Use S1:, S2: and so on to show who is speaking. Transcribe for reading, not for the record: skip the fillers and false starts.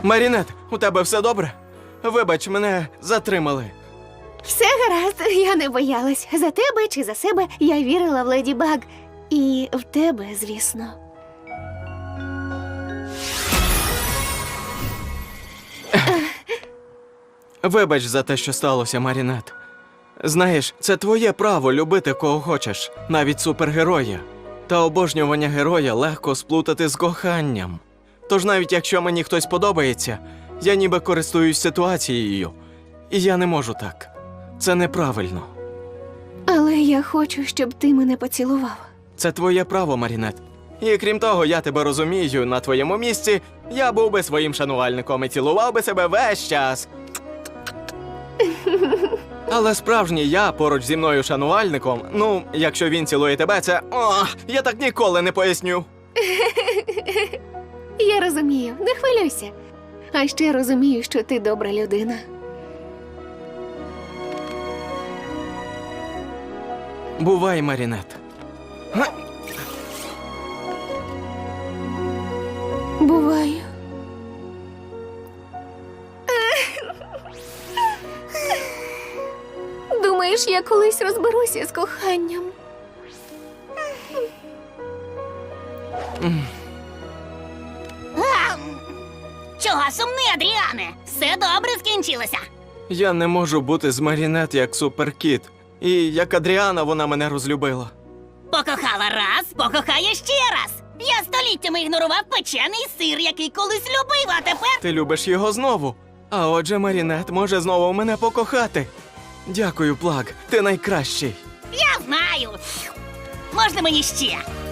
S1: Марінет, у тебе все добре? Вибач, мене затримали.
S2: Все гаразд, я не боялась. За тебе чи за себе я вірила в Леді Баг. І в тебе, звісно.
S1: Вибач за те, що сталося, Марінет. Знаєш, це твоє право любити кого хочеш, навіть супергероя. Та обожнювання героя легко сплутати з коханням. Тож навіть якщо мені хтось подобається, я ніби користуюсь ситуацією. І я не можу так. Це неправильно.
S2: Але я хочу, щоб ти мене поцілував.
S1: Це твоє право, Марінет. І крім того, я тебе розумію, на твоєму місці я був би своїм шанувальником і цілував би себе весь час. Але справжній я поруч зі мною шанувальником, ну, якщо він цілує тебе, це... О, я так ніколи не поясню.
S2: Я розумію, не хвилюйся. А ще розумію, що ти добра людина.
S1: Бувай, Марінет.
S2: Буваю. Думаєш, я колись розберуся з коханням?
S3: Чого сумний, Адріане? Все добре скінчилося.
S1: Я не можу бути з Марінет як суперкіт. І як Адріана вона мене розлюбила.
S3: Покохала раз, покохає ще раз. Я століттями ігнорував печений сир, який колись любив, а тепер...
S1: Ти любиш його знову. А отже, Марінет може знову мене покохати. Дякую, Плаг, ти найкращий.
S3: Я знаю. Можна мені ще?